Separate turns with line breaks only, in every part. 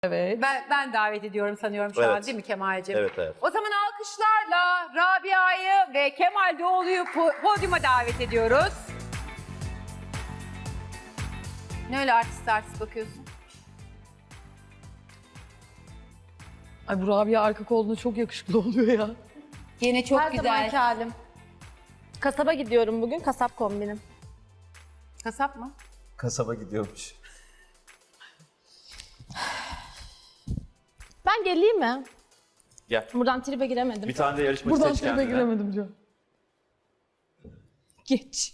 Evet.
Ben davet ediyorum sanıyorum şu an
Evet.
değil mi Kemal'cim?
Evet, evet.
O zaman alkışlarla Rabia'yı ve Kemal Doğulu'yu podyuma davet ediyoruz. Ne öyle artist bakıyorsun?
Ay bu Rabia arka koluna çok yakışıklı oluyor ya.
Yine çok
Her
güzel.
zamanki halim. Kasaba gidiyorum bugün, kasap kombinim.
Kasap mı?
Kasaba gidiyormuş.
Ben geleyim mi?
Gel.
Buradan tribe giremedim.
Bir tane de yarışmacı
Buradan
seç
tribe
kendine.
giremedim diyor.
Geç.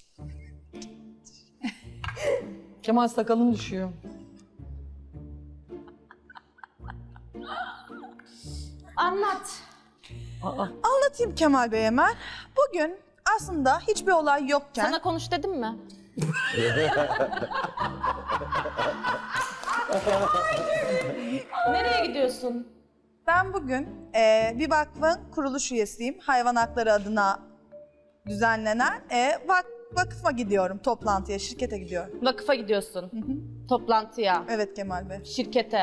Kemal sakalın düşüyor.
Anlat.
Anlatayım Kemal Bey hemen. Bugün aslında hiçbir olay yokken
Sana konuş dedim mi? Nereye gidiyorsun?
ben bugün bir vakfın kuruluş üyesiyim. Hayvan hakları adına düzenlenen vakıfa gidiyorum, toplantıya, şirkete gidiyorum.
Vakıfa gidiyorsun. Toplantıya,
Evet Kemal Bey.
şirkete.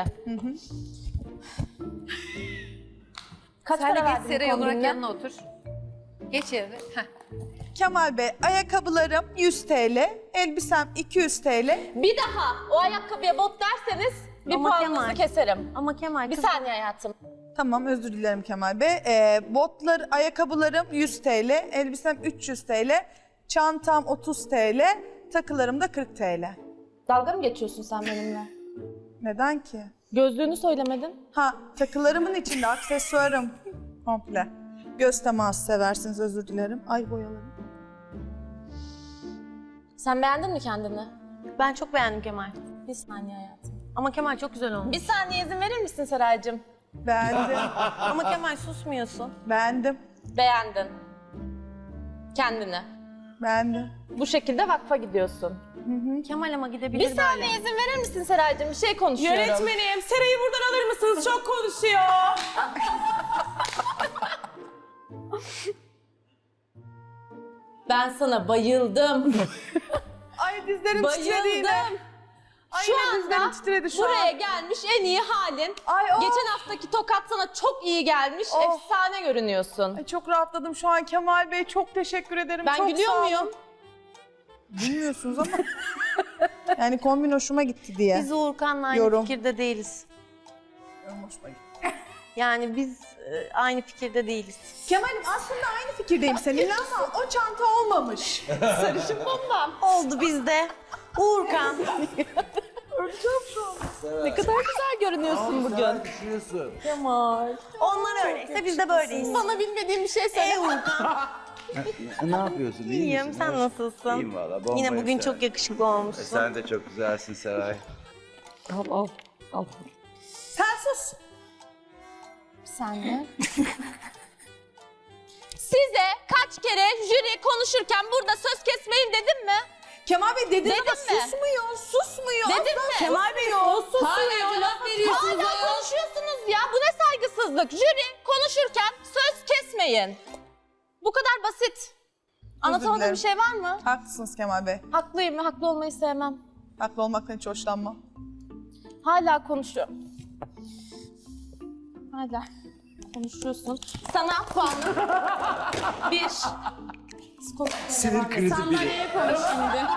Kaç
Sen de
para
geç
verdin
Seray olarak
kombinine?
yanına otur. Geç yerine. Heh.
Kemal Bey, ayakkabılarım 100 TL, elbisem 200 TL.
Bir daha o ayakkabıya bot derseniz bir
Ama
puanınızı
Kemal.
keserim.
Ama Kemal
Bir
kız-
saniye hayatım.
Tamam, özür dilerim Kemal Bey. Ayakkabılarım 100 TL, elbisem 300 TL, çantam 30 TL, takılarım da 40 TL.
Dalga mı geçiyorsun sen benimle?
Neden ki?
Gözlüğünü söylemedin.
Ha, takılarımın içinde aksesuarım komple. Göz teması seversiniz, özür dilerim. Ay boyalarım.
Sen beğendin mi kendini?
Ben çok beğendim Kemal.
Bir saniye hayatım.
Ama Kemal çok güzel olmuş.
Bir saniye izin verir misin Seraycığım?
Beğendim,
Ama Kemal susmuyorsun.
beğendim,
Beğendin. Kendini.
beğendim.
Bu şekilde vakfa gidiyorsun.
Kemal ama gidebilir
Bir
böyle.
saniye izin verir misin Seraycığım? Bir şey konuşuyorum.
Yönetmenim, Seray'ı buradan alır mısınız? Çok konuşuyor.
Ben sana bayıldım.
Ay dizlerim titredi yine.
Bayıldım.
Ay
Şu
yine dizlerim
anda
titredi şu
buraya
an.
gelmiş en iyi halin.
Ay o.
Geçen haftaki tokat sana çok iyi gelmiş.
Oh.
Efsane görünüyorsun.
Ay çok rahatladım şu an Kemal Bey. Çok teşekkür ederim.
Ben
çok
gülüyor
sağ olun.
muyum?
Bilmiyorsunuz ama. Yani kombin hoşuma gitti diye.
Biz Uğurkan'la aynı
Yorum.
fikirde değiliz.
Hoşuma gitti.
Yani biz aynı fikirde değiliz.
Kemal'im aslında aynı fikirdeyim seninle ama o çanta olmamış.
Sarışın bombam.
Oldu bizde. Uğurkan.
Ne kadar güzel görünüyorsun bugün. Kemal.
Onlar öyleyse biz de böyleyiz.
Sana bilmediğim bir şey söyle.
Uğurkan.
Ne yapıyorsun? İyi
İyiyim,
misin?
sen
Hoş-
nasılsın?
İyiyim valla. bombayım
Yine bugün
Seray.
çok yakışıklı olmuşsun.
Sen de çok güzelsin Seray.
Al.
Sen sus.
Bir saniye. Size kaç kere jüri konuşurken burada söz kesmeyin dedim mi?
Kemal Bey dedin
Dedim
ama
mi?
susmuyor.
Dedim mi?
Kemal Bey
Hala laf veriyorsunuz. Hala konuşuyorsunuz ya. Bu ne saygısızlık? Jüri konuşurken söz kesmeyin. Bu kadar basit. Anlatamadığım
dilerim.
bir şey var mı?
Haklısınız Kemal Bey.
Haklıyım ve haklı olmayı sevmem.
Haklı olmaktan hiç hoşlanmam.
Hala konuşuyorum. Hala konuşuyorsun. Sana puanım 1.
Sinir krizi biri.
Sandalyeye konuş şimdi.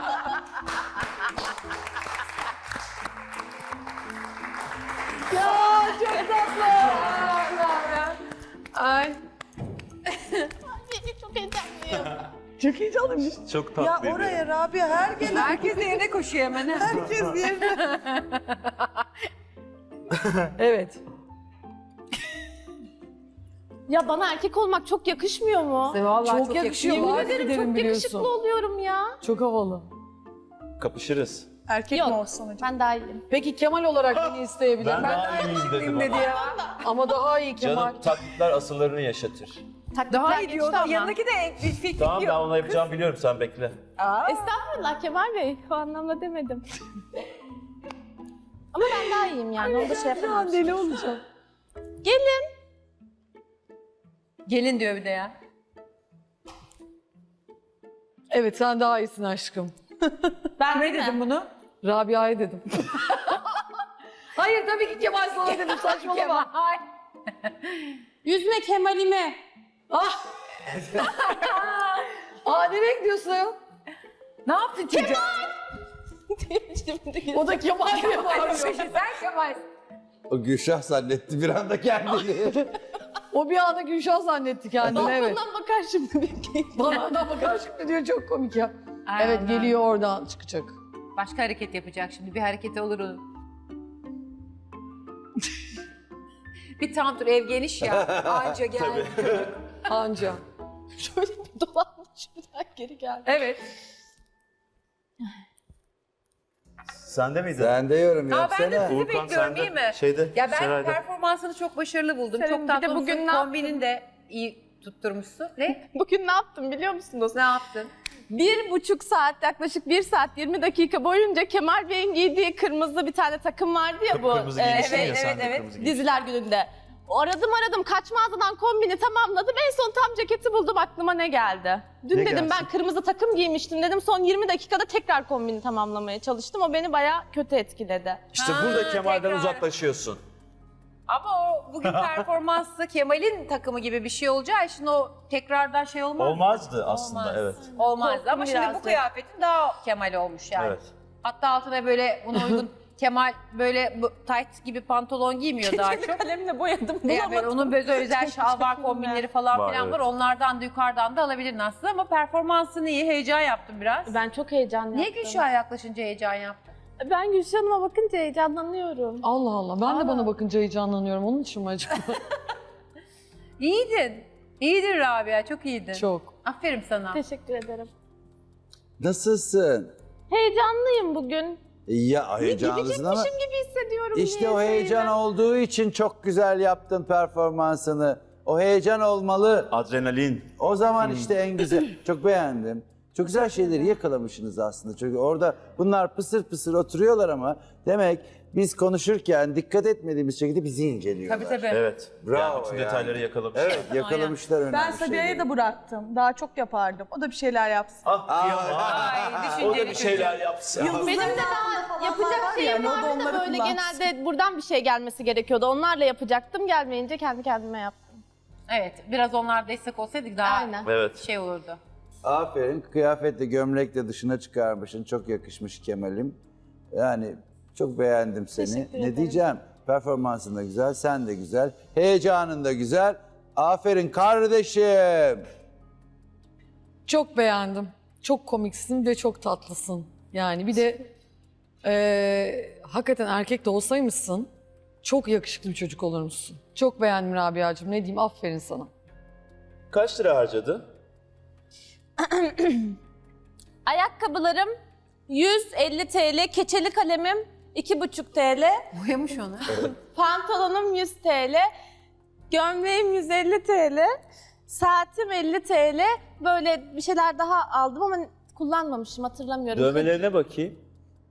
Ay.
Çok heyecanlıyım.
Çok heyecanlıymış.
Çok
Ya
tatlı.
oraya Rabia her gelen
Herkes de yerine koşuyor hemen. ha.
herkes yerine.
Evet.
Ya bana erkek olmak çok yakışmıyor mu?
Vallahi
Çok yakışıyor.
Yemin
Vaat
ederim
ederim
çok
biliyorsun.
yakışıklı oluyorum ya.
Çok havalı.
Kapışırız.
Erkek
Yok.
mi olsun acaba?
Ben daha iyiyim.
Peki Kemal olarak beni isteyebilir.
Ben daha iyiyim dedim
dedi
ama.
ya. Ama daha iyi Kemal.
Canım taklitler asıllarını yaşatır.
Daha iyi
geçti
diyor.
ama.
Yanındaki de fikir
Tamam ben
yok.
onu yapacağımı biliyorum sen bekle.
Estağfurullah Kemal Bey. O anlamda demedim. Ama ben daha iyiyim yani. Onu da şey yapamam.
Deli olacağım.
Gelin.
Gelin diyor bir de ya.
Evet sen daha iyisin aşkım.
Ben
Ne
değil mi?
dedim bunu?
Rabia'ya dedim. Hayır tabii ki Kemal sana dedim saçmalama.
Yüzme Kemal'ime.
Ah. Nereye gidiyorsun?
Ne yaptın çocuğa?
O da Kemal diye bağırıyor.
Sen Kemal.
O Gülşah zannetti bir anda kendini.
O bir anda Gülşah zannetti kendini evet.
Balkondan bakar şimdi bekleyin.
Bana bakar şimdi diyor çok komik ya.
Ay
Evet
Allah.
geliyor oradan çıkacak.
Başka hareket yapacak şimdi. Bir hareketi olur onun. Bir tam tur ev geniş ya. Anca geldi.
Anca.
Şöyle bir dolanmış bir daha geri geldi.
Evet.
Sen de miydin?
Sen de yorum
Aa, ben de
yapsana.
sizi
Uğurkan,
bekliyorum
sen de
değil mi?
şeyde,
Ya ben
Seray'da.
performansını çok başarılı buldum.
Senin
çok
bir
tatlı
de bugün
olmuşsun.
ne
Kombinin de iyi tutturmuşsun. Ne?
Bugün ne yaptım biliyor musunuz?
Ne yaptın?
1,5 saat, yaklaşık 1 saat 20 dakika boyunca Kemal Bey'in giydiği kırmızı bir tane takım vardı ya bu.
Kıpkırmızı giymişsin
evet,
ya sen
evet,
de
evet.
kırmızı giymişsin.
Diziler gününde. Aradım kaç mağazadan kombini tamamladım. En son tam ceketi buldum, aklıma ne geldi? Dün
Ne
dedim
gelsin?
ben kırmızı takım giymiştim dedim. Son 20 dakikada tekrar kombini tamamlamaya çalıştım. O beni bayağı kötü etkiledi.
İşte
Ha,
burada Kemal'den
tekrar.
uzaklaşıyorsun.
Ama o bugün performansı Kemal'in takımı gibi bir şey olacağı için o tekrardan şey olmaz.
Olmazdı aslında
Olmaz.
evet.
Olmazdı ama şimdi
biraz
bu
da.
kıyafetin daha Kemal olmuş yani.
Evet.
Hatta altına böyle buna uygun Kemal böyle bu tight gibi pantolon giymiyor daha çok.
Kalemle boyadım
Yani böyle
bulamadım.
onun böyle özel şalvar kombinleri falan
Var,
filan var.
evet.
Onlardan da yukarıdan da alabilirdin aslında ama performansın iyi. Heyecan yaptım biraz.
Ben çok heyecanlı
Niye
yaptım.
Gülşah'a yaklaşınca heyecan yaptın?
Ben Gülşah Hanım'a bakınca heyecanlanıyorum.
Allah Allah ben de bana bakınca heyecanlanıyorum onun için mi acaba?
İyiydin. İyiydin Rabia, çok iyiydin.
Çok.
Aferin sana.
Teşekkür ederim.
Nasılsın?
Heyecanlıyım bugün.
Ya heyecanlısın ama
Gidecekmişim gibi hissediyorum.
işte o
niyeyse
heyecan
yine.
olduğu için çok güzel yaptın performansını. O heyecan olmalı.
Adrenalin.
O zaman işte en güzel. Çok beğendim. Çok güzel şeyleri yakalamışsınız aslında. Çünkü orada bunlar pısır pısır oturuyorlar ama demek biz konuşurken dikkat etmediğimiz şekilde bizi inceliyorlar.
Tabii tabii.
Evet.
Bravo
Yani bütün
yani.
detayları yakalamış.
Evet, yakalamışlar önemli
Ben Sabiha'ya
şeyleri.
da bıraktım. Daha çok yapardım. O da bir şeyler yapsın.
Ah kıyamam.
Ay,
O da
düşünceli
bir şeyler yapsın.
Benim de daha yapacak
var
şeyim
yani, o da
vardı da
onları
böyle
kullansın.
genelde buradan bir şey gelmesi gerekiyordu. Onlarla yapacaktım. Gelmeyince kendi kendime yaptım.
Evet, biraz onlar destek olsaydık daha
Aynen.
Evet.
şey olurdu.
Aferin. Kıyafetle, gömlekle dışına çıkarmışsın. Çok yakışmış Kemal'im. Yani çok beğendim seni.
Teşekkür
Ne
ederim.
diyeceğim? Performansın da güzel, sen de güzel. Heyecanın da güzel. Aferin kardeşim.
Çok beğendim. Çok komiksin ve çok tatlısın. Yani bir de hakikaten erkek de olsaymışsın çok yakışıklı bir çocuk olurmuşsun. Çok beğendim Rabia'cığım. Ne diyeyim aferin sana.
Kaç lira harcadın?
Ayakkabılarım 150 TL, keçeli kalemim 2,5 TL,
Boyamış onu.
pantolonum 100 TL, gömleğim 150 TL, saatim 50 TL. Böyle bir şeyler daha aldım ama kullanmamışım, hatırlamıyorum.
Dövmelerine bakayım.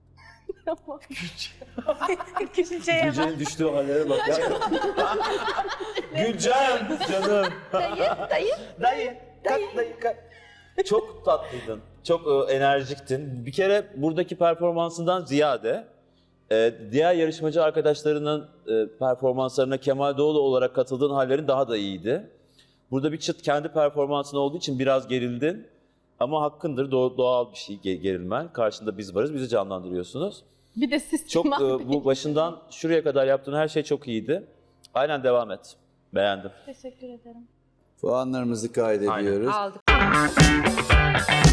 Gülcan'ın düştüğü hallere bak ya. Gülcan canım. Dayı. Kalk. Çok tatlıydın. Çok enerjiktin. Bir kere buradaki performansından ziyade diğer yarışmacı arkadaşlarının performanslarına Kemal Doğulu olarak katıldığın hallerin daha da iyiydi. Burada bir çıt kendi performansın olduğu için biraz gerildin. Ama hakkındır, doğal bir şey gerilmen. Karşında biz varız, bizi canlandırıyorsunuz.
Bir de siz
Çok
Kemal Bey.
bu başından şuraya kadar yaptığın her şey çok iyiydi. Aynen devam et. Beğendim.
Teşekkür ederim.
Puanlarımızı kaydediyoruz.
Aldık.